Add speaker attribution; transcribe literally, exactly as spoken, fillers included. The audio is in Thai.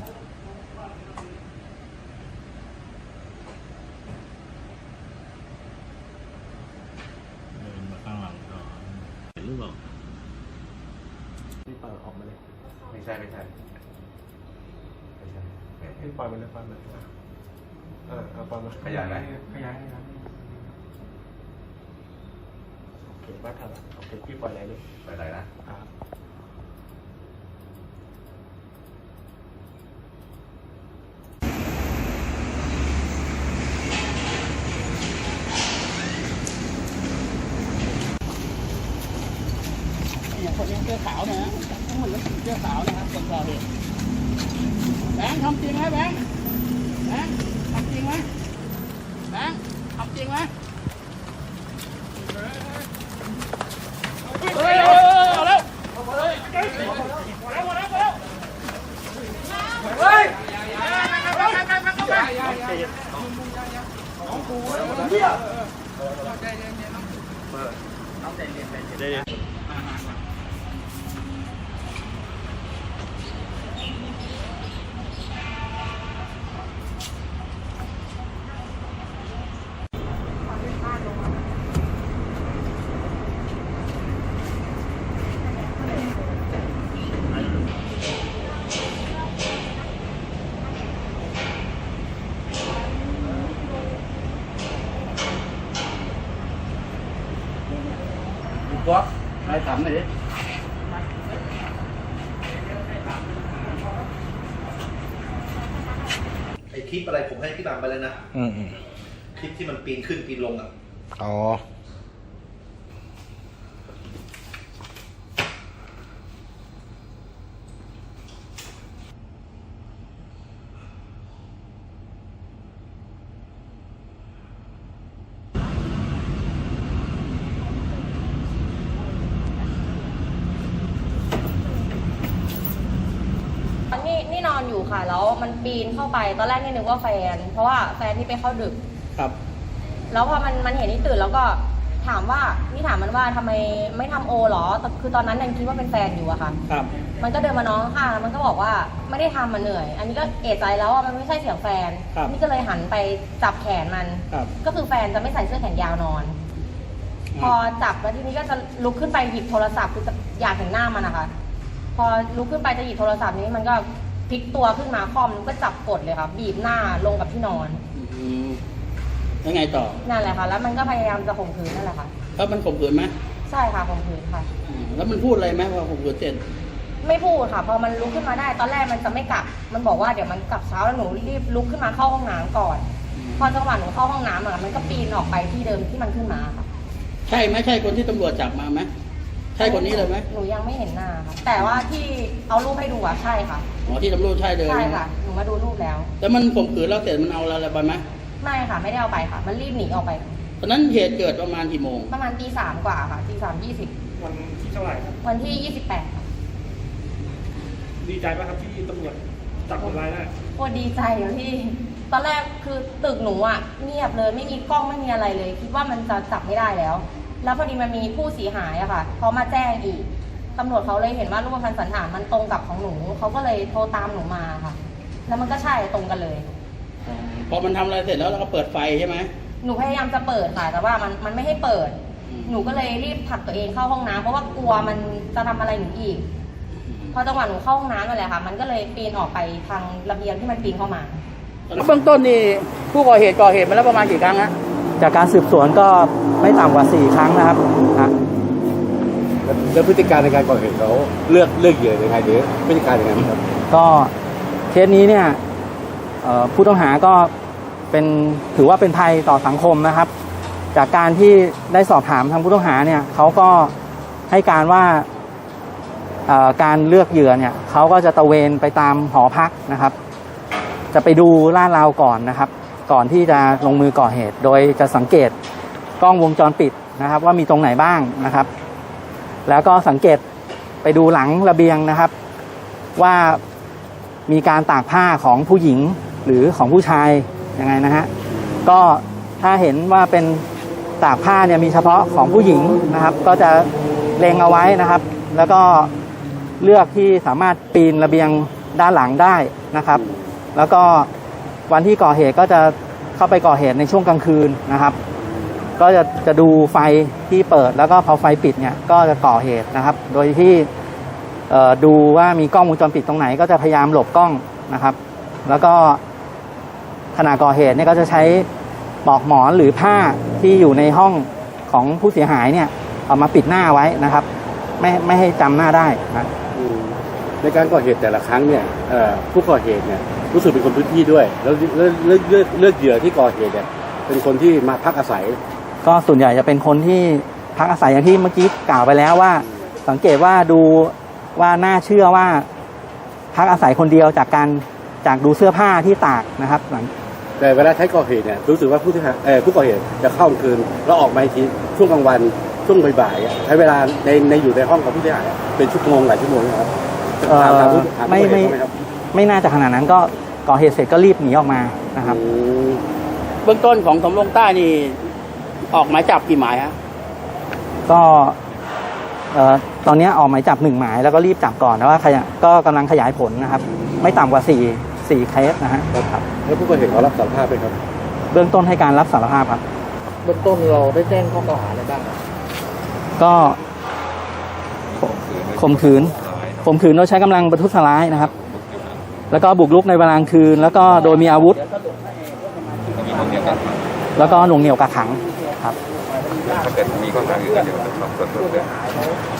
Speaker 1: เดินมาข้างหลังก่อนเห็นหรือเปล่า
Speaker 2: นี่ปล่อยออกมาเลย
Speaker 3: ไม่ใช่ไม่ใช่ไม่ใช่
Speaker 2: นี่ปล่อยมันเลยปล่อยมันอ่าเอาปล่อยมัน
Speaker 3: ขยายไหม
Speaker 2: ขยายขยายโอเคบ้าทำโอเคพี่ปล่อยอะไรเลย
Speaker 3: ปล่อยอะไรนะ
Speaker 4: คนนี้เสื้อขาวนะฮะทั้งหมดเสื้อขาวนะครับคนก่อเหตุแบงค์ทำจริงไหมแบงค์แบงค์ทำจริงไหมแบงค์ทำจริงไหมเฮ้ยเอาแล้วเฮ้ยเฮ้ยของกูเหี้ยใจเย็นๆต้องใจเย็นใจเย็น
Speaker 1: ก็ให้ถามหน่อยดิ
Speaker 5: ไอคลิปอะไรผมให้พี่บางไปแล้วนะ
Speaker 1: อืม
Speaker 5: คลิปที่มันปีนขึ้นปีนลงอ่ะ
Speaker 1: อ๋อ
Speaker 6: นี่นี่นอนอยู่ค่ะแล้วมันปีนเข้าไปตอนแรกนี่นึกว่าแฟนเพราะว่าแฟนที่ไปเข้าดึก
Speaker 1: ครับ
Speaker 6: แล้วพอมันมันเห็นนี่ตื่นแล้วก็ถามว่านี่ถามมันว่าทำไมไม่ทำโอหรอแต่คือตอนนั้นยังคิดว่าเป็นแฟนอยู่อะค่ะ
Speaker 1: ครับ
Speaker 6: มันก็เดินมาน้องค่ะมันก็บอกว่าไม่ได้ทำมันเหนื่อยอันนี้ก็เอะใจแล้วว่ามันไม่ใช่เสียงแฟนนี่ก็เลยหันไปจับแขนมันก็คือแฟนจะไม่ใส่เสื้อแขนยาวนอนพอจับแล้วทีนี้ก็จะลุกขึ้นไปหยิบโทรศัพท์คือจะอยากเห็นหน้ามันนะคะพอลุกขึ้นไปจะหยิบโทรศัพท์นี้มันก็พลิกตัวขึ้นมาคอมก็จับกดเลยค่ะบีบหน้าลงกับที่นอน
Speaker 1: อืมแล้วไงต่อ
Speaker 6: นั่นแหละค่ะแล้วมันก็พยายามจะข่มขืนนั่นแหละค่ะ
Speaker 1: แล้วมันข่มขืนไหม
Speaker 6: ใช่ค่ะข่มขืนค่ะ
Speaker 1: แล้วมันพูดอะไรไหมพอข่มขืนเสร็จ
Speaker 6: ไม่พูดค่ะพอมันลุกขึ้นมาได้ตอนแรกมันจะไม่กลับมันบอกว่าเดี๋ยวมันกลับเช้าแล้วหนูรีบลุกขึ้นมาเข้าห้องน้ำก่อนพอจังหวะหนูเข้าห้องน้ำอ่ะมันก็ปีนออกไปที่เดิมที่มันขึ้นมาค่ะ
Speaker 1: ใช่ไหมใช่คนที่ตำรวจจับมาไหมใช่คนนี้เลยไหม
Speaker 6: หนูยังไม่เห็นหน้าค่ะแต่ว่าที่เอารูปให้ดูอ่ะใช่ค่ะ
Speaker 1: อ๋อที่ตำรวจใช่เลย
Speaker 6: ใช่ค่ะหนูมาดูรูปแล้ว
Speaker 1: แล้วมันข่มขืนแล้วเสร็จมันเอาอะไรไปไหม
Speaker 6: ไม่ค่ะไม่ได้เอาไปค่ะมันรีบหนีออกไป
Speaker 1: ตอนนั้นเหตุเกิดประมาณกี่โมง
Speaker 6: ประมาณตีสามกว่าค่ะตีสามยี่สิบ
Speaker 2: วันที่เท่าไหร่
Speaker 6: วันที่ยี่สิบแปด
Speaker 2: ดีใจป่ะครับที่ตำรวจจับคนร้ายได้
Speaker 6: โอ้ดีใจอยู่ที่ตอนแรกคือตึกหนูอ่ะเงียบเลยไม่มีกล้องไม่มีอะไรเลยคิดว่ามันจะจับไม่ได้แล้วแล้วพอดีมันมีผู้เสียหายอะค่ะเขามาแจ้งอีกตำรวจเขาเลยเห็นว่ารูปพรรณสันฐานมันตรงกับของหนูเขาก็เลยโทรตามหนูมาค่ะแล้วมันก็ใช่ตรงกันเลย
Speaker 1: พอมันทำอะไรเสร็จแล้วเราก็เปิดไฟใช่ไหม
Speaker 6: หนูพยายามจะเปิดค่ะแต่ว่ามันมันไม่ให้เปิดหนูก็เลยรีบผลักตัวเองเข้าห้องน้ำเพราะว่ากลัวมันจะทำอะไรหนูอีกพอจังหวะหนูเข้าห้องน้ำนั่นแหละค่ะมันก็เลยปีนออกไปทางระเบียงที่มันปีนเข้ามา
Speaker 4: เบื้องต้นนี่ผู้ก่อเหตุก่อเหตุมาแล้วประมาณกี่ครั้งฮะ
Speaker 7: จากการสืบสวนก็ไม่ต่ำกว่าสี่ครั้งนะครับ
Speaker 3: แล้วพฤติการในการก่อเหตุเขาเลือกเลือกเหยื่อยังไงหรือพฤติการยังไงครับ
Speaker 7: ก็เคสนี้เนี่ยผู้ต้องหาก็เป็นถือว่าเป็นภัยต่อสังคมนะครับจากการที่ได้สอบถามทางผู้ต้องหาเนี่ยเขาก็ให้การว่าการเลือกเหยื่อเนี่ยเขาก็จะตระเวนไปตามหอพักนะครับจะไปดูลาดราวก่อนนะครับก่อนที่จะลงมือก่อเหตุโดยจะสังเกตกล้องวงจรปิดนะครับว่ามีตรงไหนบ้างนะครับแล้วก็สังเกตไปดูหลังระเบียงนะครับว่ามีการตากผ้าของผู้หญิงหรือของผู้ชายยังไงนะฮะก็ถ้าเห็นว่าเป็นตากผ้าเนี่ยมีเฉพาะของผู้หญิงนะครับก็จะเล็งเอาไว้นะครับแล้วก็เลือกที่สามารถปีนระเบียงด้านหลังได้นะครับ แล้วก็วันที่ก่อเหตุก็จะเข้าไปก่อเหตุในช่วงกลางคืนนะครับ ก็จะจะดูไฟที่เปิดแล้วก็พอไฟปิดเนี่ยก็จะก่อเหตุนะครับ โดยที่ดูว่ามีกล้องวงจรปิดตรงไหนก็จะพยายามหลบกล้องนะครับ แล้วก็ขณะก่อเหตุเนี่ยก็จะใช้ปลอกหมอนหรือผ้าที่อยู่ในห้องของผู้เสียหายเนี่ยเอามาปิดหน้าไว้นะครับ ไม่ไม่ให้จำหน้าได้นะ
Speaker 3: ในการก่อเหตุแต่ละครั้งเนี่ยผู้ก่อเหตุเนี่ยรู้สึกเป็นคนพื้นที่ด้วยแล้วเลือกเลือกเลือกเลือกเหยื่อที่ก่อเหตุเนี่ยเป็นคนที่มาพักอาศัย
Speaker 7: ก็ส่วนใหญ่จะเป็นคนที่พักอาศัยอย่างที่เมื่อกี้กล่าวไปแล้วว่าสังเกตว่าดูว่าน่าเชื่อว่าพักอาศัยคนเดียวจากการจากดูเสื้อผ้าที่ตากนะครับ
Speaker 3: แต่เวลาใช้ก่อเหตุเนี่ยรู้สึกว่าผู้ที่เอ่อผู้ก่อเหตุจะเข้ากลางคืนแล้วออกมาอีกทีช่วงกลางวันช่วงบ่ายๆใช้เวลาในในอยู่ในห้องกับผู้เสียหายเป็นชั่วโมงหลายชั่วโมงนะครับ
Speaker 7: ไม่ไม่ไม่น่าจะขนาดนั้นก็ก่อเหตุเสร็จก็รีบหนีออกมานะครับ
Speaker 1: เบื้องต้นของสำโรงใต้นี่ออกหมายจับกี่หมายฮะ
Speaker 7: ก็เอ่อตอนนี้ออกหมายจับหนึ่งหมายแล้วก็รีบจับก่อนนะว่าขยะก็กำลังขยายผลนะครับไม่ต่ำกว่าสี่สี่เคสนะฮะครับ
Speaker 3: แล้วผู้ก่อเหตุเขารับสารภาพไหมครับ
Speaker 7: เบื้องต้นให้การรับสารภาพครับ
Speaker 4: เบื้องต้นเราได้แจ้งข้อกล่าวหาอะไรบ้าง
Speaker 7: ก็ข่มขืนข่มขืนโดยใช้กำลังประทุษร้ายนะครับแล้วก็บุกรุกในเวลากลางคืนแล้วก็โดยมีอาวุธแล้วก็หน่วงเหนี่ยวกักขังครับ
Speaker 8: ถ้าเกิดมีข้อหาอื่นก็เดี๋ยวจะสอบสวนเพิ่มเติม